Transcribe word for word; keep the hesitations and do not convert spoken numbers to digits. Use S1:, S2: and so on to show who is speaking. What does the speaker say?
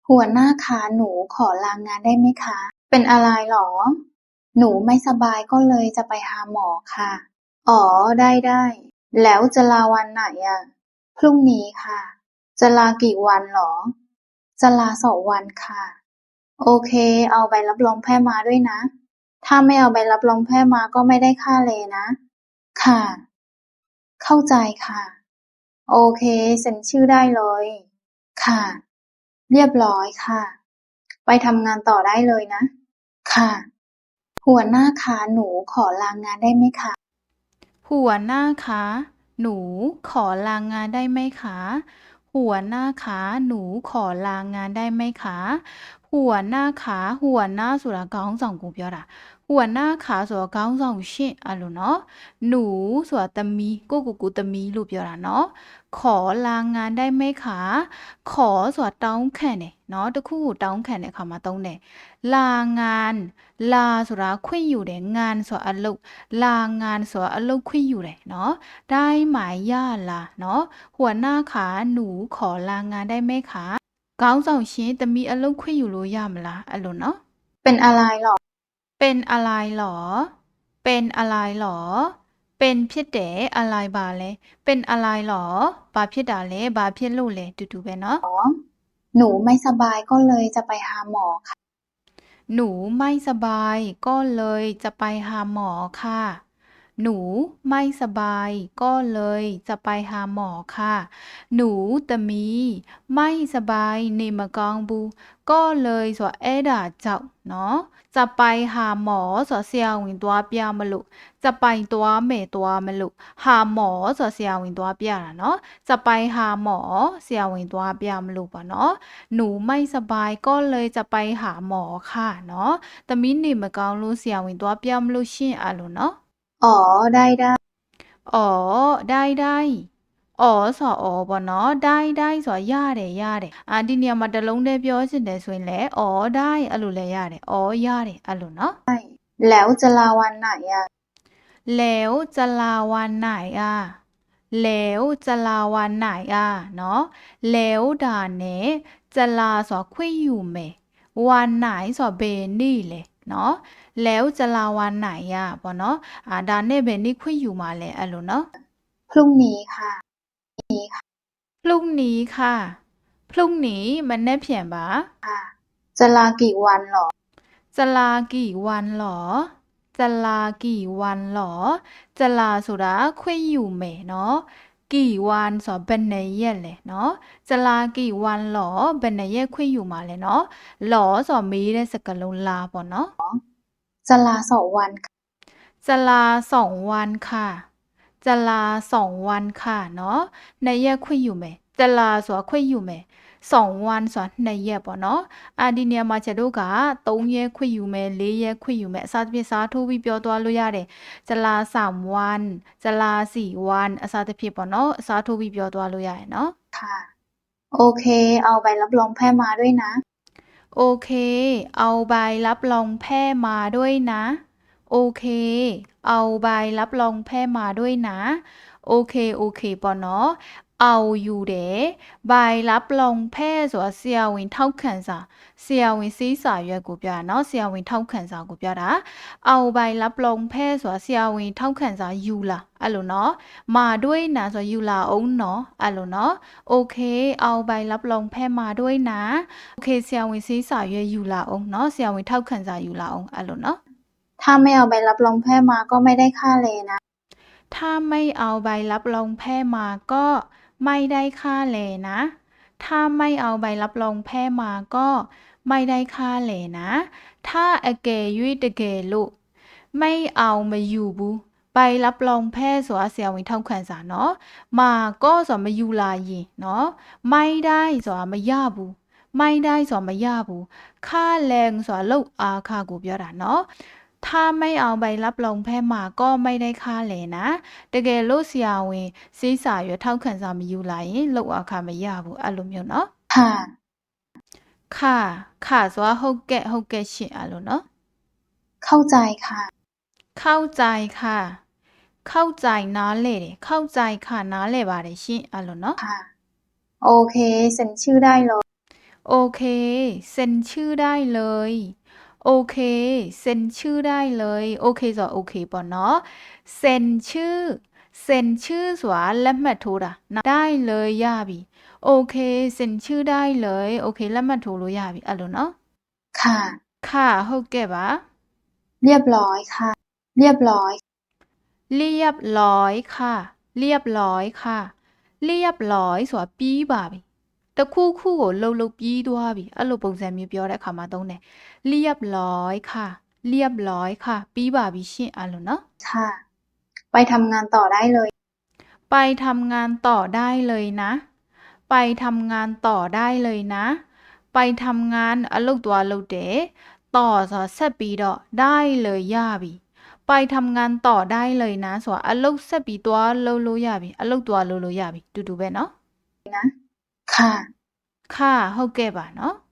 S1: หัวหน้าคะหนูขอลางานได้ไหมคะเป็นอะไรหรอหนูไม่สบายก็เลยจะไปหาหมอค่ะอ๋อได้ได้แล้วจะลาวันไหนอ่ะพรุ่งนี้ค่ะจะลากี่วันหรอจะลาสองวันค่ะโอเคเอาใบรับรองแพทย์มาด้วยนะถ้าไม่เอาใบรับรองแพทย์มาก็ไม่ได้ค่าเลนะค่ะเข้าใจค่ะโอเคเซ็นชื่อได้เลยค่ะเรียบร้อยค่ะไปทำงานต่อได้เลยนะค่ะหัวหน้าคะหนูขอลางานได้ไหมคะ
S2: หัวหน้าคะหนูขอลางานได้ไหมคะหัวหน้าคะหนูขอลางานได้ไหมคะหัวหน้าคะหัวหน้าဆိုတာခေါင်းဆောင်ကိုပြောတာหัวหน้าคะဆိုတော့ခေါင်းဆောင်ရှင့်အဲ့လိုเนาะหนูဆိုတာသမီးကိုကိုကိုသမီးလို့ပြောတာเนาะขอลางานได้ไหมคะขอဆိုတာတောင်းခံတယ်เนาะတခုကိုတောင်းခံတဲ့အခါမှာသုံးတယ်ลางานลาဆိုတာခွင့်ယူတယ်งานဆိုတာအလုပ်ลางานဆိုတာအလုပ်ခွင့်ယူတယ်เนาะได้ไหมย่าล่ะเนาะหัวหน้าคะหนูขอลางานได้ไหมคะခေါင်းဆောင်ရှင်တမီအလုပ်ခွင့်ယူလို့ရမလားအဲ့လိုเนาะ
S1: เป็นอะไรหรอ
S2: เป็นอะไรหรอเป็นอะไรหรอเป็นဖြစ်တယ်อะไรပါလဲเป็นอะไรหรอဘာဖြစ်တာလဲဘာဖြစ်လို့လဲတူတူပဲเนาะ
S1: หนูไม่สบายก็เลยจะไปหาหมอค่ะ
S2: หนูไม่สบายก็เลยจะไปหาหมอค่ะหนูไม่สบายก็เลยจะไปหาหมอค่ะหนูตะมีไม่สบายနေမကောင်းဘူးก็เลยဆိုတော့အဲ့ဒါကြောင့်เนาะจะไปหาหมอဆိုတော့ဆရာဝန်သွားပြမလို့จะไปသွားမယ်သွားမလို့หาหมอဆိုတော့ဆရာဝန်သွားပြတာเนาะจะไปหาหมอဆရာဝန်သွားပြမလို့ပါเนาะหนูไม่สบายก็เลยจะไปหาหมอค่ะเนาะသမီးနေမကောင်းလို့ဆရာဝန်သွားပြမလို့ရှင့်အဲ့လိုเนาะ
S1: อ๋อได้ได้
S2: อ๋อได้ได้อ๋อဆိုတော့อ๋อပေါ့နော်ได้ได้ဆိုတော့ရတယ်ရတယ်အာဒီနေရာမှာတစ်လုံးတည်းပြောချင်တယ်ဆိုရင်လည်းอ๋อได้အဲ့လိုလည်းရတယ်อ๋อရတယ်အဲ့လိုเนาะ
S1: แล้วจะลาวันไหนอ่ะ
S2: แล้วจะลาวันไหนอ่ะแล้วจะลาวันไหนอ่ะเนาะแล้วဒါနဲ့จะลาဆိုတော့ခွင့်ယူမယ်วันไหนဆိုတော့ဘယ်နေ့လဲเนาะแล้วจะลาวันไหนอ่ะပေါ့နော်အာဒါနဲ့ဘယ်နေ့ခွင့်ယူမှာလဲအဲ့လိုเนาะ
S1: พรุ่งนี้ค่ะ
S2: พรุ่งนี้ค่ะพรุ่งนี้มันแนบเขียนปะ
S1: จะลากี่วันหรอ
S2: จะลากี่วันหรอจะลากี่วันหรอจะลาဆိုတာခွင့်ယူမယ်เนาะกี่วันဆိုဘယ်နှစ်ရက်လဲเนาะจะลากี่วันหรอဘယ်နှစ်ရက်ခွင့်ယူမှာလဲเนาะหรอဆိုမေးတဲ့စကားလုံးလာပေါ့เนาะ
S1: จะลาสองวันค่ะ
S2: จะลาสองวันค่ะจะลาสองวันค่ะเนาะနှစ်ရက်ခွင့်ယူမယ်จะลาဆိုတာခွင့်ယူမယ်สองวันဆိုတာနှစ်ရက်ပေါ့နော်အာဒီနေရာမှာချက်တို့ကသုံးရက်ခွင့်ယူမယ်လေးရက်ခွင့်ယူမယ်အစားသဖြင့်စားထိုးပြီးပြောသွားလို့ရတယ်จะลาสามวันจะลาสี่วันအစားသဖြင့်ပေါ့နော်အစားထိုးပြီးပြောသွားလို့ရတယ်เนาะ
S1: ค่ะโอเคเอาใบรับรองแพทย์มาด้วยนะ
S2: โอเคเอาใบรับรองแพทย์มาด้วยนะโอเคเอาใบรับรองแพทย์มาด้วยนะโอเคโอเคပေါ့နော်เอาอยู่တယ်ใบรับรองแพทย์ဆိုတာဆရာဝန်ထောက်ခံစာဆရာဝန်စေးစာရွက်ကိုပြတာเนาะဆရာဝန်ထောက်ခံစာကိုပြတာเอาใบรับรองแพทย์ဆိုတာဆရာဝန်ထောက်ခံစာယူလာအဲ့လိုเนาะมาด้วยนะဆိုယူလာအောင်เนาะအဲ့လိုเนาะโอเคเอาใบรับรองแพทย์มาด้วยนะโอเคဆရာဝန်စေးစာရွက်ယူလာအောင်เนาะဆရာဝန်ထောက်ခံစာယူလာအောင်အဲ့လိုเนาะ
S1: ถ้าไม่เอาใบรับรองแพทย์มาก็ไม่ได้ค่าเลนะ
S2: ถ้าไม่เอาใบรับรองแพทย์มาก็ไม่ได้ค่าแลนะถ้าไม่เอาใบรับรองแพทย์มาก็ไม่ได้ค่าแลนะถ้าအကယ်၍တကယ်လို့ไม่เอามาอยู่ဘူးใบรับรองแพทย์ဆိုတာဆရာဝန်ထောက်ခံစာเนาะมาก็ဆိုတာမယူလာရင်เนาะไม่ได้ဆိုတာမရဘူးไม่ได้ဆိုတာမရဘူးค่าแรงဆိုတာလောက်အားခကိုပြောတာเนาะถ้าไม่เอาใบรับรองแพทย์มาก็ไม่ได้ค่าแลนะတကယ်လို့ဆရာဝန်စေးစာရွက်ထောက်ခံစာမယူလာရင်လောက်အခါမရဘူးအဲ့လိုမျိုးเนาะ
S1: ค่ะ
S2: ค่ะค่ะဆိုတာဟုတ်ကဲ့ဟုတ်ကဲ့ရှင်အဲ့လိုเนาะ
S1: เข้าใจค่ะ
S2: เข้าใจค่ะเข้าใจနားလဲတယ်เข้าใจค่ะနားလဲပါတယ်ရှင်အဲ့လိုเนาะ
S1: ค่ะโอเคเซ็นชื่อได้เลย
S2: โอเคเซ็นชื่อได้เลยโอเคเซ็นชื่อได้เลยโอเคဆိုတော့โอเคပေါ့เนาะเซ็นชื่อเซ็นชื่อဆိုတာလက်မှတ်ထိုးတာနော်ได้เลยရပြီโอเคเซ็นชื่อได้เลยโอเคလက်မှတ်ထိုးလို့ရပြီအဲ့လိုเนาะ
S1: ค่ะ
S2: ค่ะဟုတ်ကဲ့ပါ
S1: เรียบร้อยค่ะ เรียบร้อย
S2: เรียบร้อยค่ะเรียบร้อยค่ะเรียบร้อยဆိုတာပြီးပါပြီတခုခုကိုလှုပ်လှုပ်ပြီးသွားပြီအဲ့လိုပုံစံမျိုးပြောတဲ့အခါမှာသုံးတယ်เรียบร้อยค่ะเรียบร้อยค่ะပြီးပါပြီရှင့်အဲ့လိုเนาะ
S1: ค่ะ ไปทำงานต่อได้เลย
S2: ไปทำงานต่อได้เลยนะ ไปทำงานต่อได้เลยนะ ไปทำงานအလုပ်သွားလုပ်တယ်ต่อဆိုတာဆက်ပြီးတော့ได้เลยရပြီไปทำงานต่อได้เลยนะဆိုတာအလုပ်ဆက်ပြီးသွားလုပ်လို့ရပြီအလုပ်သွားလုပ်လို့ရပြီတူတူပဲเนาะ
S1: ค่ะ
S2: ค่ะဟုတ်ကဲ့ပါเนาะ